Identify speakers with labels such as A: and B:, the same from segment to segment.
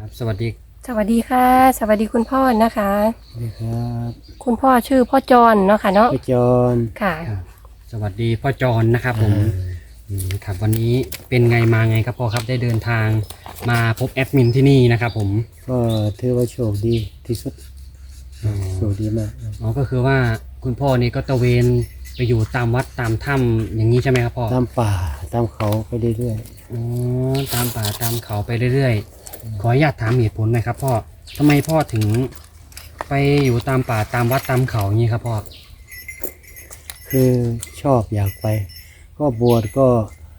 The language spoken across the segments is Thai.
A: ครับสวัสดี
B: สวัสดีค่ะสวัสดีคุณพ่อนะคะ
C: สวัสดีครับ
B: คุณพ่อชื่อพ่อจรเนาะค่ะเนาะ
C: พี่จอน
B: ค่ะ
A: ครับสวัสดีพ่อจรนะครับ
C: เอ
A: ผม
C: อ
A: ครับวันนี้เป็นไงมาไงครับพ่อครับได้เดินทางมาพบแอดมินที่นี่นะครับผม
C: ก็ถือว่าโชคดีที่สุดโชคดีมาก
A: อ๋อก็คือว่าคุณพ่อนี่ก็ตระเวนไปอยู่ตามวัดตามถ้ำอย่างนี้ใช่ไหมครับพ่อ
C: ตามป่าตามเขาไปเรื่อย
A: อ๋อตามป่าตามเขาไปเรื่อยๆขออนุญาตถามเหตุผลหน่อยครับพ่อทำไมพ่อถึงไปอยู่ตามป่าตามวัดตามเขาอย่างนี้ครับพ่อ
C: ๆคือชอบอยากไปก็บวชก็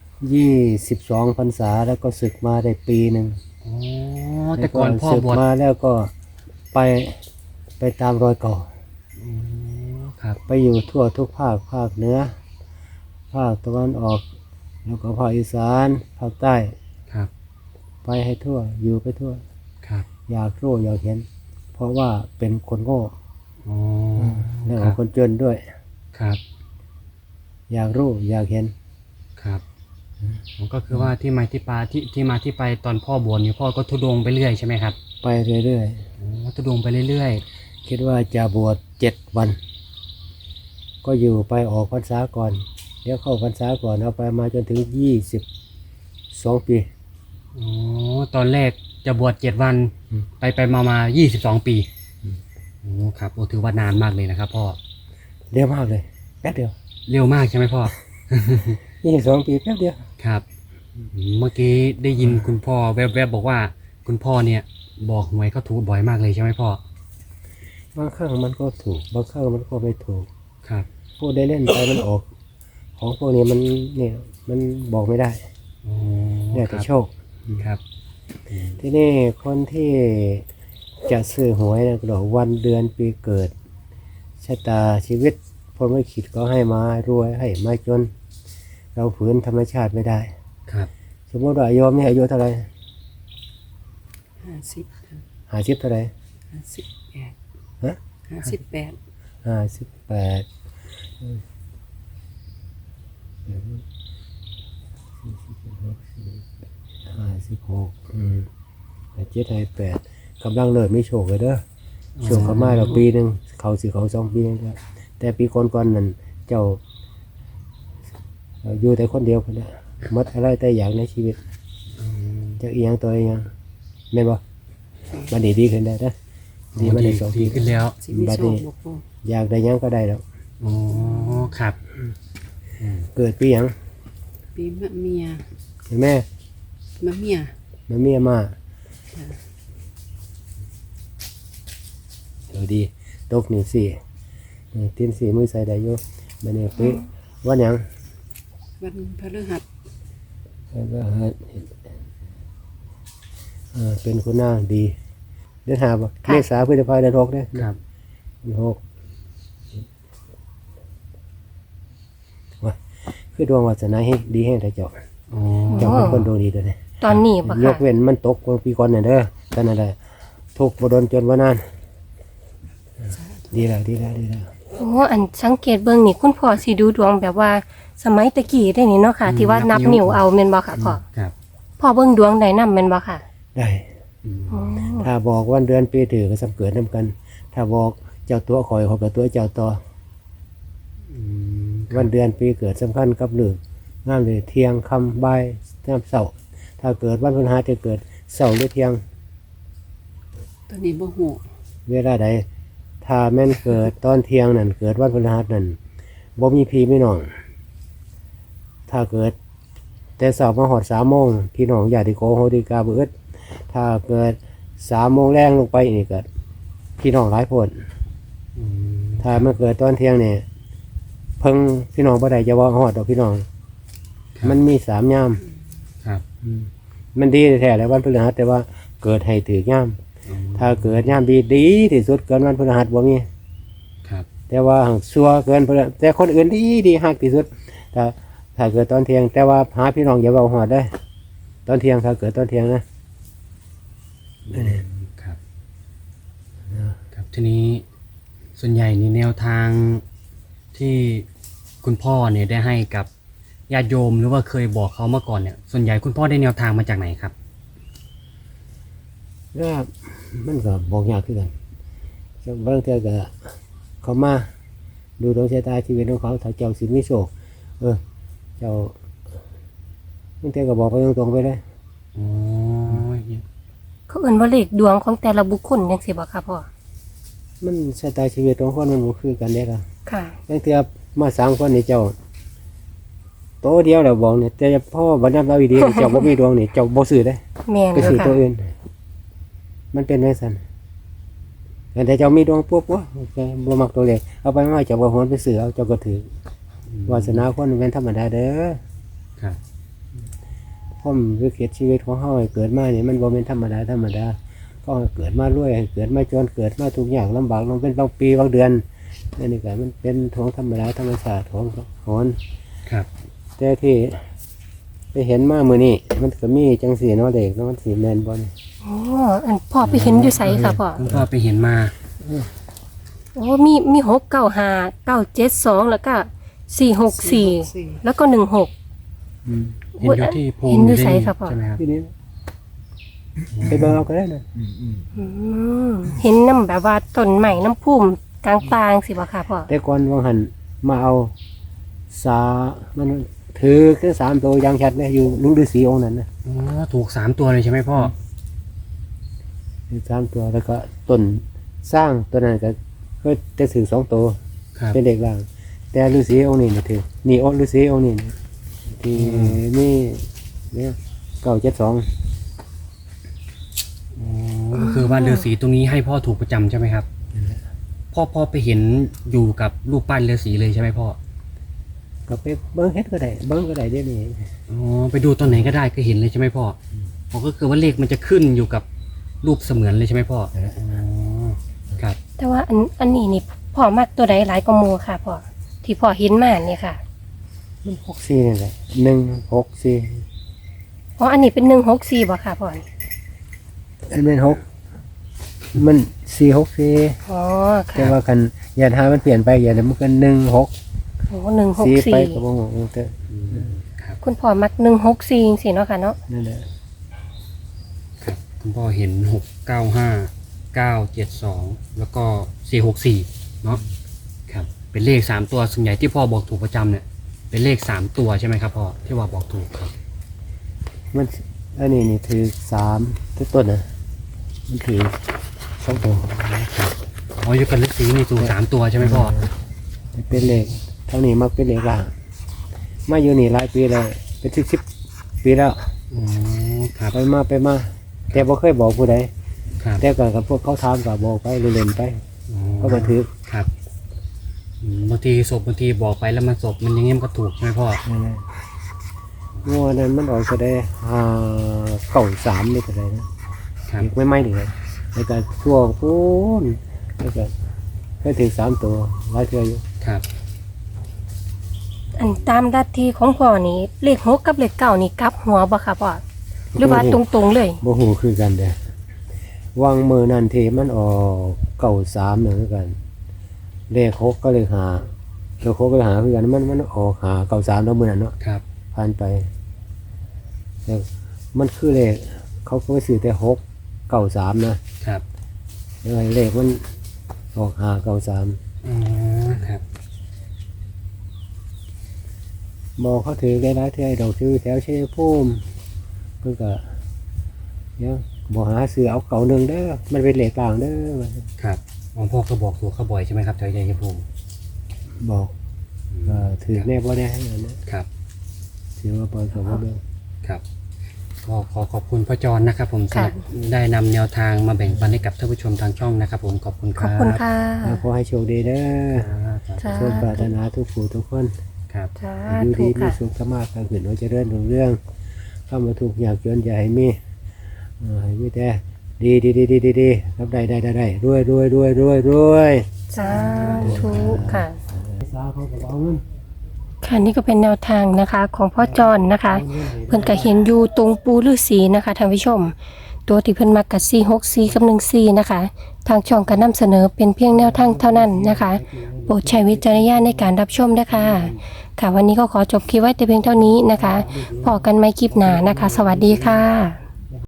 C: 22 พรรษาแล้วก็ศึกมาได้ปีหนึ่ง
A: อ๋อแต่ก่อนพ่อ
C: ศึก
A: บวช
C: มาแล้วก็ไปไปตามรอยเก่า
A: อ๋อครับ
C: ไปอยู่ทั่วทุกภาคเหนือภาคตะวันออกแล้วก็ภาคอีสานภาคใต้
A: ครับ
C: ไปให้ทั่วอยู่ไปทั่ว
A: ครับ
C: อยากรู้อยากเห็นเพราะว่าเป็นคนโง่
A: อ๋อ
C: แล้ว
A: ครับ
C: คนจนด้วย
A: ครับ
C: อยากรู้อยากเห็น
A: ครับผมก็คือว่าที่มาที่ไปที่มาที่ไปตอนพ่อบวชนี่พ่อก็ทุดงไปเรื่อยใช่ไหมครับ
C: ไปเรื่อย
A: อ๋อทุดงไปเรื่อย
C: ๆคิดว่าจะบวช7 วันก็อยู่ไปออกพรรษาก่อนเดี๋ยวเข้าพรรษาก่อนเอาไปมาจนถึง22 ปี
A: ๆอ๋อตอนแรกจะบวช7 วัน
C: อืม
A: ไปมา22 ปีโอ้ครับโอ้ถือว่านานมากเลยนะครับพ่อ
C: เร็วมากเลยแป๊บเดียว
A: เร็วมากใช่ไหมพ่อ
C: 22 ปีแป๊บเดียว
A: ครับเมื่อกี้ได้ยินคุณพ่อแวบๆบอกว่าคุณพ่อเนี่ยบอกหวยเขาถูกบ่อยมากเลยใช่ไหมพ่อบ
C: างครั้งมันก็ถูกบางครั้งมันก็ไม่ถูก
A: ครับ
C: พูดได้เล่นไปมันออกของพวกนี้มันเนี่ยมันบอกไม่ได้
A: อ๋อ
C: เนี่ย
A: ค
C: แต่
A: รับ
C: โชค
A: ครับ
C: ที่นี่คนที่จะซื้อหวยนะก็บอกวันเดือนปีเกิดชะตาชีวิตพรหมลิขิตก็ให้มารวยให้มาจน เราฝืนธรรมชาติไม่ได้
A: ครับ
C: สมมติว่าโยมนี่อายุเท่าไหร่
B: 50
C: 50เท่าไหร่
B: 58
C: ฮะ
B: 58
C: 58 5657 58กำลังเริ่มมีโชคเลยเด้อโชคเขามาเราปีหนึ่งเขาสิเขา2 ปีแล้วแต่ปีก่อนๆนั่นเจ้าอยู่แต่คนเดียวคนเดียวหมดอะไรแต่อย่างในชีวิตจะอีหยังตัวอีหยังแม่นบ่บัดนี้ดีขึ้นได้นะดีมาได้2 ปี
A: ขึ้นแล้ว
C: บัดนี้อยากได้หยังก็ได้แล้ว
A: อ๋อครับ
C: เกิดปีหยัง
B: ปีมะเมีย
C: แม่
B: มะเมีย
C: มาเมียมาเดี๋ยวดีตกนี่สี่ตีนสี่มือใส่ได้อยู่บัดนี้ปีวันหยัง
B: วันพฤหัส
C: แล้วก็เป็นคนหน้าดีเดือน5บ่เมษาพฤษภาเดือน6เด้อ
A: ครับ
C: เดือน6ว่าคือดวงวาสนาให้ดีให้ได้เจ้า
A: อ๋อ
C: เจ้าเป็นคนดวงดีตัวนี้
B: ตอนนี้ปะ
C: ย
B: ค่ะ
C: กเว้นมันตกปีก่อนเนี่ยเด้อตอนนั้นแหละทุกข์บ่โดนจนว่านานดีแล้ว
B: โอ้อันสังเกตเบิ่งนี่คุณพ่อสิดูดวงแบบว่าสมัยตะกี้ได้นี่เนาะค่ะ ที่ว่านับนิ้วเอาแม่นบ่ค่ะพ่อ
A: ครับ
B: พ่อเบิ่งดวงได้นำแม่นบ่ค่ะ
C: ได้
A: อืม
B: อ๋อ
C: ถ้าบอกวันเดือนปีถือก็สำเกิดนํกัน ถ้าบอกเจ้าตัวข่อยกับตัวเจ้าต่อ
A: อืม
C: วันเดือนปีเกิดสำคัญกับเรื่องงามเลยเที่ยงค่ำบ่ายน้ำเช้าถ้าเกิดวันพฤหัสจะเกิดเช้าหรือเที่ยง
B: ตัวนี้บ่ฮู้
C: เวลาใดถ้าแม่นเกิดตอนเที่ยงนั่นเกิดวันพฤหัสนั่นบ่มีพี่ไม่น้องถ้าเกิดแต่เช้ามาฮอด3 โมงพี่น้องญาติโกโหติกาเบิดถ้าเกิด3 โมงแรงลงไปนี่เกิดพี่น้องหลายโพด
A: อืม
C: ถ้ามันเกิดตอนเที่ยงนี่เพิ่งพี่น้องบ่ได้จะว่าฮอดดอกพี่น้องมันมี3 ยาม
A: ครับ
C: มันดีแท้ๆแหล้ววันพฤหัสแต่ว่าเกิดให้ถือยามถ้าเกิดยามดีที่สุดเกินวันพฤหัสบ่มี
A: ครับ
C: แต่ว่าหังซัวเกินพฤหัสแต่คนอื่นดีฮักที่สุดถ้าเกิดตอนเที่ยงแต่ว่าหาพี่น้องอย่าเว้าฮอดได้ตอนเที่ยงถ้าเกิดตอนเที่ยงนะ
A: ครับครับทีนี้ส่วนใหญ่นี่แนวทางที่คุณพ่อเนี่ยได้ให้กับญาติโยมหรือว่าเคยบอกเขามาก่อนเนี่ยส่วนใหญ่คุณพ่อได้แนวทางมาจากไหนครับ
C: แล้วมันก็บอกยากขึ้นกันบางเทื่อก็เขามาดูดวงชะตาชีวิตของเขาถ้าเจ้าสิมีโชคเจ้าบางเทื่อก็บอกไปตรงๆไปเลย
A: อ๋อ
B: เขาเอิ้นว่าเลขดวงของแต่ละบุคคลจังซี่บ่ค่ะพ่อ
C: มันชะตาชีวิตของคนมันบ่คือกันเด้ล่ะ
B: ค่ะ
C: บางเทื่อมา3คนนี่เจ้าโตเดียวแล้วบอกเนี่ยแต่พ่อบ่นับเราอีดีเจ้าบ่มีดวงนี่เจ้าบ่ซื้อได้
B: แม่น
C: ไป
B: เด้
C: ซื้
B: อ
C: อ
B: ค่ะ
C: ตัวอื่น มันเป็นไว้ซั่นแต่เจ้ามีดวงปุ๊บบ่มักตัวเลขเอาไปมาเจ้าบ่โหนไปซื้อเอาเจ้าก็ถือวาสนาคนเป็นธรรมดาเด้อ
A: ครับ
C: ผมวิกฤตชีวิตของเฮาให้เกิดมานี่มันบ่เป็นธรรมดาก็ให้เกิดมารวยให้เกิดมาจนเกิดมาทุกอย่างลำบากลงเป็นบางปีบางเดือนนี่ก็มันเป็นของธรรมดาธรรมชาติของโหน
A: ครับ
C: แต่ที่ไปเห็นมามื้อนี้มันก็มีจังซี่เนาะเด็กเนาะมันสิแม่นบ่นี่
B: อ๋ออันพ่อไปเห็นอยู่ไสค่ะพ่อ
A: คุณพ่อไปเห็นมา
B: โอ้มี695 972แล้วก็464แล้วก็16
A: เห็นอยู่ที่ภูมิ
B: เห็นอยู่ไสครับพ่อ
A: ใช่ไหมครับ
C: ที่นี่ไปเบิ่งเอาก็ได้นะ
B: อืมเห็นน้ำแบบว่าต้นใหม่น้ำพุ่มกลางปางสิบ่ค่ะพ่อ
C: แต่ก่อนวังหันมาเอามันถือคือ3ตัวอย่างชัดเลยอยู่ลุงฤาษีองค์นั้นนะ
A: อ๋อถูก3 ตัวเลยใช่ไหมพ่อ
C: ถือ3ตัวแล้วก็ต้นสร้างตัวนั้นก็จะถือ2ตัว
A: ครับ
C: เป็นเด็กล่าง แต่ฤาษีองค์นี้นี่ถือนี่องค์ฤาษีองค์นี้นี่ที่นี่เนี่ย972
A: อ๋อก็คือว่าฤาษีตรงนี้ให้พ่อถูกประจำใช่ไหมครับพ่อไปเห็นอยู่กับรูปปั้นฤาษีเลยใช่ไหมพ่อ
C: ก็ไปเบิ้งเฮ็ดก็ได้เบิ้งก็ได้เดี๋ยวนี้
A: อ๋อไปดูตอนไหนก็ได้ก็เห็นเลยใช่ไหมพ่ออ๋อก็คือว่าเลขมันจะขึ้นอยู่กับรูปเสมือนเลยใช่ไหมพ่ออ๋อครับ
B: แต่ว่าอันนี้นี่พ่อมักตัวใดหลายกว่าหมู่ค่ะพ่อที่พ่อเห็นมาเนี่ยค่ะ
C: มัน64นี่แหละ164
B: อ๋ออันนี้เป็น164บ่ค่ะพ่อ
C: อันเป็น6มัน464
B: อ๋อ
C: แต่
B: ค่ะ
C: ว่าคันอย่าหามันเปลี่ยนไปอย่ามันก็16
B: โอ้
C: 4ไปก็
B: 164
C: บ่งงเด้อ
B: คุณพ่อมัก164จังซี่เนาะค่ะเนาะ
C: นั่นแหละ
A: ครับคุณพ่อเห็น695 972แล้วก็464เนาะครับเป็นเลข3ตัวส่วนใหญ่ที่พ่อบอกถูกประจำเนี่ยเป็นเลข3ตัวใช่ไหมครับพ่อที่ว่าบอกถูกครับ
C: มันอันนี้นี่ถือ3ทุกต้นน่ะมันถือ2ตัว
A: ครับอ๋ออยู่กับฤาษีนี่ถูก3ตัวใช่ไหมพ่อ
C: เป็นเลขเท่านี้มักเป็นเลขล่างมาอยู่นี่หลายปีแล้วเป็น10ปีแล้ว
A: อ๋อครับ
C: ไปมาแต่บ่เคยบอกผู้ใด
A: ครับ
C: แต่ก็กับพวกเขาถามก็บอกไปเล่นๆไป
A: อ๋อ
C: ก็มาถือ
A: ครับบางทีศพบางทีบอกไปแล้วมันศพมันอย่างงี้มันก็ถูกใช่ไหมพ่อ
C: นั่นแหละงัวนั้นมันออกก็ได้593นี่ก็ได้นะครับ อีกไม่ถึงเลยแล้วก็ช่วงพูนแล้วก็เคยถึง3ตัวหลายเทื่ออยู่
A: ครับ
B: อันตามลัทธิของพ่อนี่เลข6กับเลข9นี่กลับหัวบ่ค่ะพ่อหรือว่าตรงๆเลย
C: บ่ฮู้คือกันเด้อวางมือนั่นที่มันออก93เหมือนกันเลข6ก็เลข5เลข6ก็เลข5คือกันมันออก593แล้วมื้อนั้นเนาะ
A: ครับ
C: ผ่านไปแต่มันคือเลขเขาก็ไปซื้อแต่693นะครับเลขมันออก593
A: อ๋อครับ
C: บอกเขาถือได้หลายเทื่อดอกชื่อแถวชัยภูมิเพิ่นก็เนี่ยบอกหาซื้อเอาเก่าหนึงเด้อมันเป็นเลขกลางเด้อ
A: ครับอ๋อพ่อก็บอกถูกเขาบ่อยใช่ไหมครับแถวใหญ่ชมพู
C: บอกถือแน่บ่ได้ให้นะครับ ถือว่าบ่ก็บ่เด้อ
A: ครับก็ขอขอบคุณพ่อจรนะครับ ผมสำห
B: ค่ะ
A: รับได้นำแนวทางมาแบ่งปันให้กับท่านผู้ชมทางช่องนะครับ ผมขอบคุณค
B: ขอบ
A: รับ
B: คุณค่ะ
C: แล้วขอให้โชคดีเด้อ
B: จ้า
C: สมปรารถนาทุกผู้ทุกคน
A: ครับ
B: จ้า
C: อยู่
B: ถู
C: ดี
B: ก
C: มี
B: ค่ะ
C: สุขสมาการขึ้นว่าเจะเริ่เรื่องเข้ามาถูกอยากจนอย่าให้มีให้มีแต่ดีรับได้รวย
B: สาธุค่ะ
C: สาเขาก็เอาเงิน
B: ค่ะนี่ก็เป็นแนวทางนะคะของพ่อจอนนะคะ เพิ่นก็เห็นอยู่ตรงปูฤาษีนะคะท่านผู้ชม ตัวที่เพิ่นมักกับ464กับ14นะคะ ทางช่องก็นำเสนอเป็นเพียงแนวทางเท่านั้นนะคะ โปรดใช้วิจารณญาณในการรับชมนะคะค่ะวันนี้ก็ขอจบคลิปไว้แต่เพียงเท่านี้นะคะพอกันไม่คลิปหน้านะคะ สวัสดีค่ะ